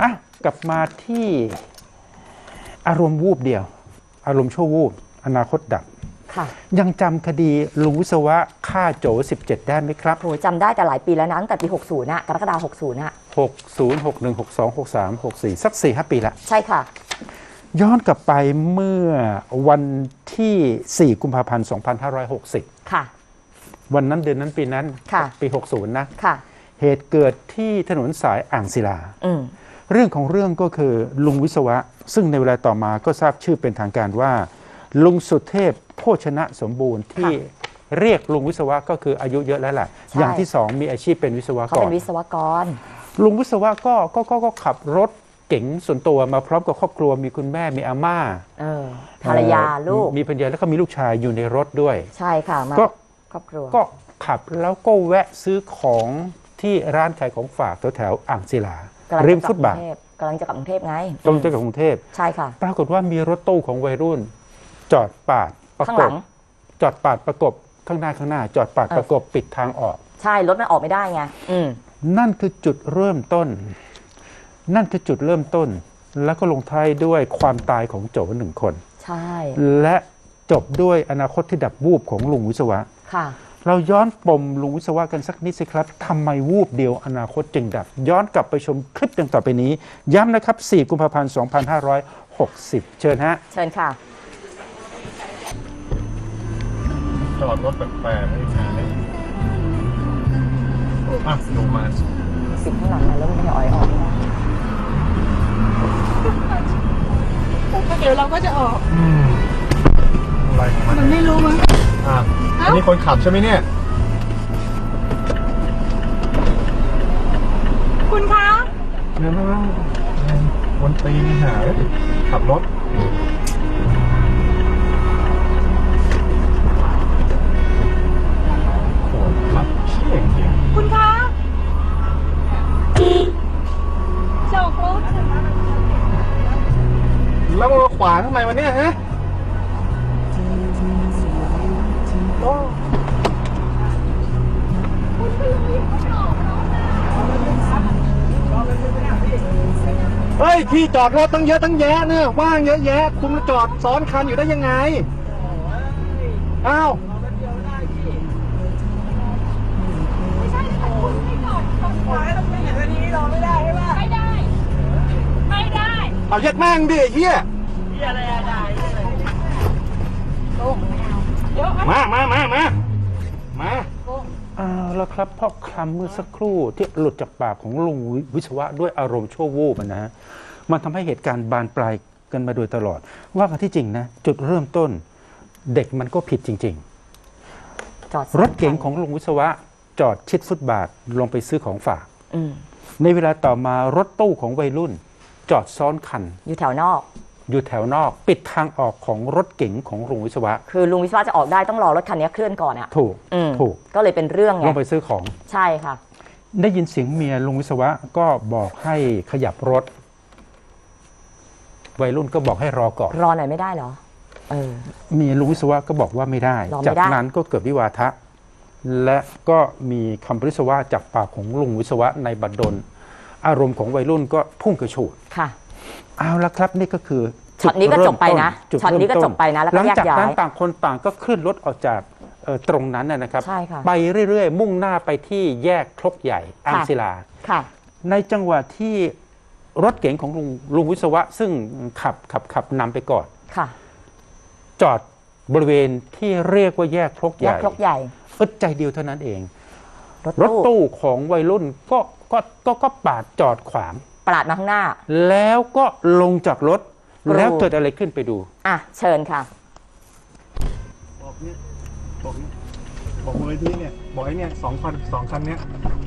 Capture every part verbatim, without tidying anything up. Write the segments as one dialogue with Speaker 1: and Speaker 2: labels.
Speaker 1: อ่ะกลับมาที่อารมณ์วูบเดียวอารมณ์ชั่ววูบอนาคตดับยังจำคดีลุงวิศวะฆ่าโจสิบเจ็ดได้ไหมครับ
Speaker 2: โหจำได้แต่หลายปีแล้วนะตั้งแต่ปีหกสิบน่ะกรกฎาคมหกสิบน่ะ
Speaker 1: หกสิบ หกสิบเอ็ด หกสิบสอง หกสิบสาม หกสิบสี่สัก สี่ห้า ปีละ
Speaker 2: ใช่ค่ะ
Speaker 1: ย้อนกลับไปเมื่อวันที่สี่กุมภาพันธ์สองพันห้าร้อยหกสิบ
Speaker 2: ค่ะ
Speaker 1: วันนั้นเดือนนั้นปีนั้นปีหกสิบนะ
Speaker 2: ค่ะ
Speaker 1: เหตุเกิดที่ถนนสายอ่างศิลาเรื่องของเรื่องก็คือลุงวิศวะซึ่งในเวลาต่อมาก็ทราบชื่อเป็นทางการว่าลุงสุเทพโภชนะสมบูรณ์ที่เรียกลุงวิศวะก็คืออายุเยอะแล้วแหละอย่างที่สองมีอาชีพเป็นวิศวกรเขา
Speaker 2: เป็นวิศวกร
Speaker 1: ลุงวิศวะก็ก็ก็ก็ขับรถเก๋งส่วนตัวมาพร้อมกับครอบครัวมีคุณแม่มีอาม่า
Speaker 2: ภรรยาลูก
Speaker 1: มีภรรยาแล้วก็มีลูกชายอยู่ในรถด้วย
Speaker 2: ใช่ค่ะมาครอบครัว
Speaker 1: ก็ขับแล้วก็แวะซื้อของที่ร้านขายของฝากแถวๆอ่างศิลาริมฟุตบาท
Speaker 2: กำลังจะกลับกรุงเทพไง
Speaker 1: กำลังจะกลับกรุงเทพ
Speaker 2: ใช่ค่ะ
Speaker 1: ปรากฏว่ามีรถตู้ของวัยรุ่นจอดปาดประกบจอดปาดประกบข้างหน้าข้างหน้าจอดปาดประกบปิดทางออก
Speaker 2: ใช่รถมันออกไม่ได้ไง
Speaker 1: นั่นคือจุดเริ่มต้นนั่นคือจุดเริ่มต้นแล้วก็ลงท้ายด้วยความตายของโจหนึ่งคน
Speaker 2: ใช่
Speaker 1: และจบด้วยอนาคตที่ดับวูบของลุงวิศวะ
Speaker 2: ค่ะ
Speaker 1: เราย้อนปมลุงวิศวะกันสักนิดสิครับทำไมวูบเดียวอนาคตจึงดับย้อนกลับไปชมคลิปดังต่อไปนี้ย้ำนะครับสี่กุมภาพันธ์สองพันห้าร้อยหกสิบเชิญฮะ
Speaker 2: เชิญค่ะ
Speaker 3: จอดรถแปลกๆไม่ใช่อ่ะลงมา
Speaker 2: สิบข้างหลังมาแล้วมันจะอ่อยออก
Speaker 4: เดี๋ยวเราก็จะออก
Speaker 3: อืมอะไรของมัน
Speaker 4: มันไม่รู้มั้ง
Speaker 3: อ่ะอันนี้คนขับใช่ไหมเนี่ย
Speaker 4: คุณคะ
Speaker 3: เนี่ยนะวันตีหาขับรถโหขับเชี่ยจริง
Speaker 4: คุณคะเจ้าเขา
Speaker 3: แล้วมาขวางทำไมวะเนี่ยฮะเฮ้ยที่จอดรถตั้งเยอะตั้งแยะเนี่ยว่างเยอะแยะคุณมาจอดซ้อนคันอยู่ได้ยังไงอ้าว
Speaker 4: ไม่ใช่คุณไม่จอดตรงขวาตรงนี้อย่างนี้รอไม่ได้ใช่ปะไม่ได้ไม่ได้
Speaker 3: เอาเย็ดแม่งดิเฮีย
Speaker 4: เฮียอะไรได้
Speaker 3: มามามามามา
Speaker 1: เอาแล้วครับพ่อคำเมื่อสักครู่ที่หลุดจากปากของลุงวิศวะด้วยอารมณ์ชั่ววูบนะฮะมันทำให้เหตุการณ์บานปลายกันมาโดยตลอดว่ากันที่จริงนะจุดเริ่มต้นเด็กมันก็ผิดจริงๆรถเก๋งของลุงวิศวะจอดชิดฟุตบาทลงไปซื้อของฝากในเวลาต่อมารถตู้ของวัยรุ่นจอดซ้อนคัน
Speaker 2: อยู่แถวนอก
Speaker 1: อยู่แถวนอกปิดทางออกของรถเก๋งของลุงวิศวะ
Speaker 2: คือลุงวิศวะจะออกได้ต้องรอรถคันนี้เคลื่อนก่อนอ่ะ
Speaker 1: ถูกถูก
Speaker 2: ก็เลยเป็นเรื่องไง
Speaker 1: ลงไปซื้อของ
Speaker 2: ใช่ค่ะ
Speaker 1: ได้ยินเสียงเมียลุงวิศวะก็บอกให้ขยับรถวัยรุ่นก็บอกให้รอก่อน
Speaker 2: รอหน่อยไม่ได้เหรอเออ
Speaker 1: เมียลุงวิศวะก็บอกว่าไม่ได้จากนั้นก็เกิดวิวาทะและก็มีคำปริศวาจากปากของลุงวิศวะในบัดดลอารมณ์ของวัยรุ่นก็พุ่งกระฉูด
Speaker 2: ค่ะ
Speaker 1: เอาละครับนี่ก็คือ
Speaker 2: ช็อตนี้ก็จบไปนะช็อตนี้ก็จบไปนะแล้วก็แยกย้ายหลังจาก
Speaker 1: นั้นต่างคนต่างก็ขึ้นรถออกจากตรงนั้นนะครับไปเรื่อยๆมุ่งหน้าไปที่แยกครกใหญ่อ่างศิลาในจังหวะที่รถเก๋งของลุงลุงวิศวะซึ่งขับขับขับนำไปก่อนจอดบริเวณที่เรียกว่าแยกครกใหญ่
Speaker 2: ครกใหญ่
Speaker 1: อึดใจเดียวเท่านั้นเองรถตู้ของวัยรุ่นก็ก็ก็ก็ปาดจอดขวาง
Speaker 2: ปาดมาข้างหน้า
Speaker 1: แล้วก็ลงจากรถแล้วเกิดอะไรขึ้นไปดู
Speaker 2: อ่ะเชิญค่ะ
Speaker 3: บอกเนี่ยบอกเนี่ยบอกมูลนิธิเนี่ยบอกไอ้เนี่ยสองคันสองคันเนี้ย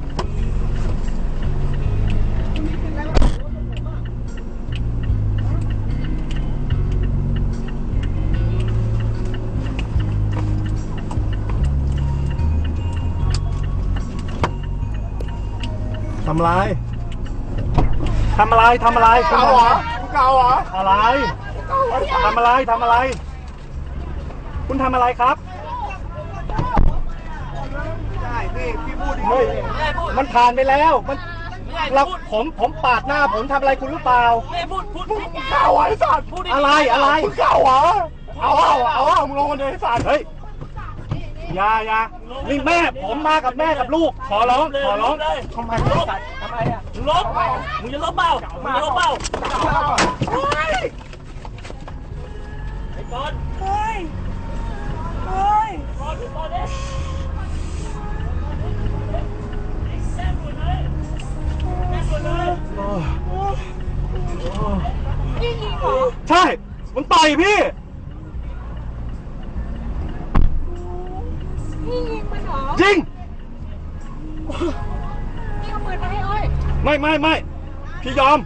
Speaker 3: ทำอะไรทำอะไรทำอะไร
Speaker 4: เก่าเหรอเก่าเหรอ
Speaker 3: อะไรทำอะไรทำอะไรคุณทำอะไรครับ
Speaker 4: ใช่พี่พี่พูดดิ
Speaker 3: มันผ่านไปแล้วมัน
Speaker 4: ไม่ได้
Speaker 3: แล้วผมผมปาดหน้าผมทำอะไรคุณหรือเปล่า
Speaker 4: ไม่พูดพูดพูด
Speaker 3: เก่าไอ้สัตว์อะไรอะไรมึงเก่าเหรอเอาเอาเอาเอามึงลงมาเลยไอ้สัตว์เฮ้ยอย่าอย่านี่แม่ผมมากับแม่กับลูกขอร้องขอร้องทำไมไอ้สัตว์ทำไมอ่ะ
Speaker 4: มึงลบมึงจะลบเปล่ามึงจะลบเปล่าไอ้บอลเฮ้ยเฮ้ยบอลบอลเนี่ยแซ่บหมดเลยแซ่บหมดเลยนี่ยิงเหรอ
Speaker 3: ใช่มันต่อยพี่
Speaker 4: นี่ยิงมันเหรอ
Speaker 3: ยิง
Speaker 4: นี่เอาปืนมาให้อ้อย
Speaker 3: ไม่ไม่ไม่พี่ยอม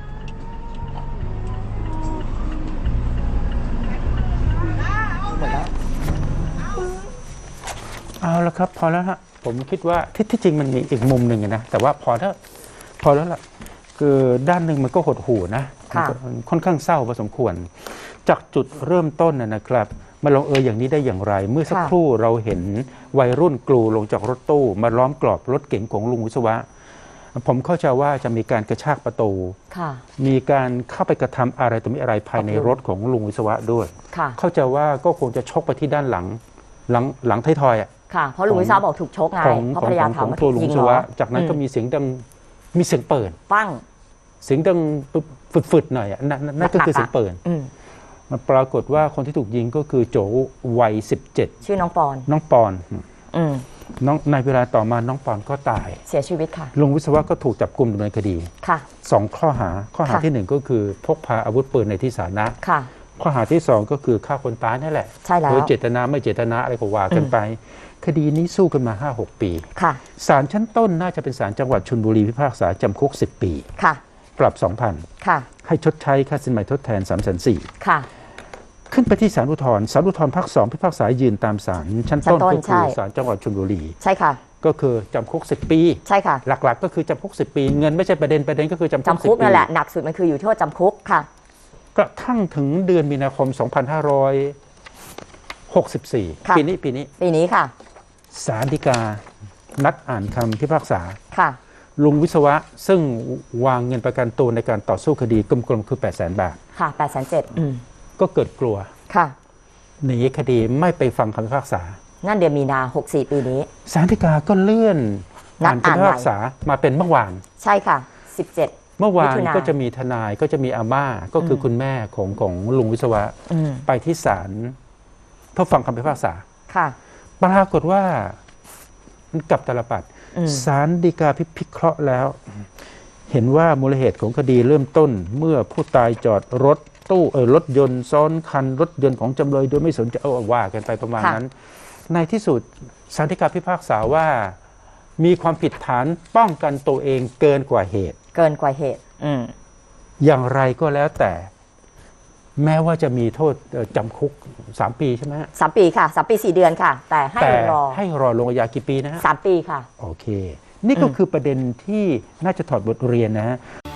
Speaker 1: เอาละครับพอแล้วฮะผมคิดว่าที่ที่จริงมันมีอีกมุมหนึ่งนะแต่ว่าพอแล้วพอแล้วล่ะคือด้านหนึ่งมันก็หดหู่นะ
Speaker 2: ค่ะ
Speaker 1: มันค่อนข้างเศร้าพอสมควร จากจุดเริ่มต้นนะนะครับมาลงเอยอย่างนี้ได้อย่างไร เมื่อสักครู่เราเห็นวัยรุ่นกลูลงจากรถตู้มาล้อมกรอบรถเก๋งของลุงวิศวะ ผมเข้าใจว่าจะมีการกระชากประตู
Speaker 2: ค่ะ
Speaker 1: มีการเข้าไปกระทำอะไรตัวมีอะไรภายในรถของลุงวิศวะด้วย
Speaker 2: ค่ะ
Speaker 1: เข้าใจว่าก็คงจะชกไปที่ด้านหลังหลังหลังท้ายทอยอะ
Speaker 2: ค่ะ เพราะลุงวิศวะบอกถูกชกไง
Speaker 1: ของ
Speaker 2: เพราะ
Speaker 1: ขอ
Speaker 2: ภรง รยา
Speaker 1: ของ
Speaker 2: ถาม
Speaker 1: ของ
Speaker 2: ว่า
Speaker 1: ตัวลุง
Speaker 2: ยิง
Speaker 1: วิศ
Speaker 2: เหร
Speaker 1: วะ
Speaker 2: อ
Speaker 1: จากนั้นก็
Speaker 2: อื
Speaker 1: มีเสียงดังมีเสียงเปิด
Speaker 2: ปั้ง
Speaker 1: เสียงดังฝึดๆหน่อยอะนั่นนั่นนั่นก็คือเสียงเปิด
Speaker 2: อืม
Speaker 1: มันปรากฏว่าคนที่ถูกยิงก็คือโจวัยสิบเจ็ด
Speaker 2: ชื่อน้องปอน
Speaker 1: น้องปอน
Speaker 2: อืม
Speaker 1: น้องในเวลาต่อมาน้องปอนก็ตาย
Speaker 2: เสียชีวิตค่ะ
Speaker 1: ลุงวิศวะก็ถูกจับกุมดำเนินคดี
Speaker 2: ค่ะ
Speaker 1: สองข้อหาข้อหา
Speaker 2: ค่ะ
Speaker 1: ที่หนึ่งก็คือพกพาอาวุธปืนในที่สาธารณะ
Speaker 2: ค่ะ
Speaker 1: ข้อหาที่สองก็คือฆ่าคนตายนั่นแหละ
Speaker 2: ใช่แล้ว
Speaker 1: โดยเจตนาไม่เจตนาอะไรก็ว่ากันไป คดีนี้สู้กันมา ห้าหก ปี
Speaker 2: ค่ะ
Speaker 1: ศาลชั้นต้นน่าจะเป็นศาลจังหวัดชลบุรีพิพากษาจำคุกสิบปี
Speaker 2: ค่ะ
Speaker 1: ปรับ สองพัน
Speaker 2: ค่ะ
Speaker 1: ให้ชดใช้ค่าสินใหม่ทดแทน สามแสนสี่
Speaker 2: ค่ะ
Speaker 1: ขึ้นไปที่ศาลอุทธรณ์ศาลอุทธรณ์ภาคสองพิพากษายืนตามศาลชั้นต้น
Speaker 2: ชั้นต้น
Speaker 1: ก็คือ
Speaker 2: ใช่
Speaker 1: ศาลจังหวัดชลบุรี
Speaker 2: ใช่ค่ะ
Speaker 1: ก็คือจำคุกสิบปี
Speaker 2: ใช่ค่ะ
Speaker 1: หลักๆ ก็คือจำคุกสิบปี เงินไม่ใช่ประเด็นประเด็นก็คือจำคุก
Speaker 2: จำ
Speaker 1: สิบ
Speaker 2: คุก
Speaker 1: ปี
Speaker 2: นั่นแหละ หนักสุดมันคืออยู่โทษจำคุกค่ะ
Speaker 1: กระทั่งถึงเดือนมีนาคม สองพันห้าร้อยหกสิบสี่
Speaker 2: ค่ะ
Speaker 1: ปีนี้ปีนี้
Speaker 2: ปีนี้ค่ะ
Speaker 1: ศาลฎีกานัดอ่านคำพิพากษา
Speaker 2: ค่ะ
Speaker 1: ลุงวิศวะซึ่งวางเงินประกันตัวในการต่อสู้คดีกลมๆคือ แปดแสน บาท
Speaker 2: ค่ะแปดแสนเจ็ดอืม
Speaker 1: ก็เกิดกลัว
Speaker 2: ค่ะ
Speaker 1: หนีคดีไม่ไปฟังคำพิพากษา
Speaker 2: นั่นเดือนมีนาหกสี่ปีนี้
Speaker 1: ศาลฎีกาก็เลื่อน
Speaker 2: นัด
Speaker 1: อ่านคำพิพากษามาเป็นเมื่อวาน
Speaker 2: ใช่ค่ะสิบเจ็ด
Speaker 1: เมื่อวาน
Speaker 2: มิถุนา
Speaker 1: ก็จะมีทนายก็จะมีอาม่าก็คืออ
Speaker 2: ม
Speaker 1: คุณแม่ของของลุงวิศวะ
Speaker 2: อืม
Speaker 1: ไปที่ศาลเพื่อฟังคำพิพากษา
Speaker 2: ค่ะ
Speaker 1: ปรากฏว่ามันกลับตลปัด
Speaker 2: อืม
Speaker 1: ศาลฎีกาพิพิเคราะห์แล้ว เห็นว่ามูลเหตุของคดีเริ่มต้น เมื่อผู้ตายจอดรถตู้เออรถยนต์ซ้อนคันรถยนต์ของจำเลยโดยไม่สนใจเอาว่ากันไปประมาณนั้น ในที่สุดศาลฎีกาพิพากษาว่ามีความผิดฐานป้องกันตัวเองเกินกว่าเหตุ
Speaker 2: เกินกว่าเหตุ อืม
Speaker 1: อย่างไรก็แล้วแต่ แม้ว่าจะมีโทษเอ่อจำคุกสามปีใช่ไหมฮะ
Speaker 2: สามปีค่ะสามปีสี่เดือนค่ะ แต่ให้
Speaker 1: แต่
Speaker 2: รอ
Speaker 1: ให้รอลงอาญากี่ปีนะฮะ
Speaker 2: สามปีค่ะ
Speaker 1: โอเค นี่ก็
Speaker 2: อืม
Speaker 1: คือประเด็นที่น่าจะถอดบทเรียนนะฮะ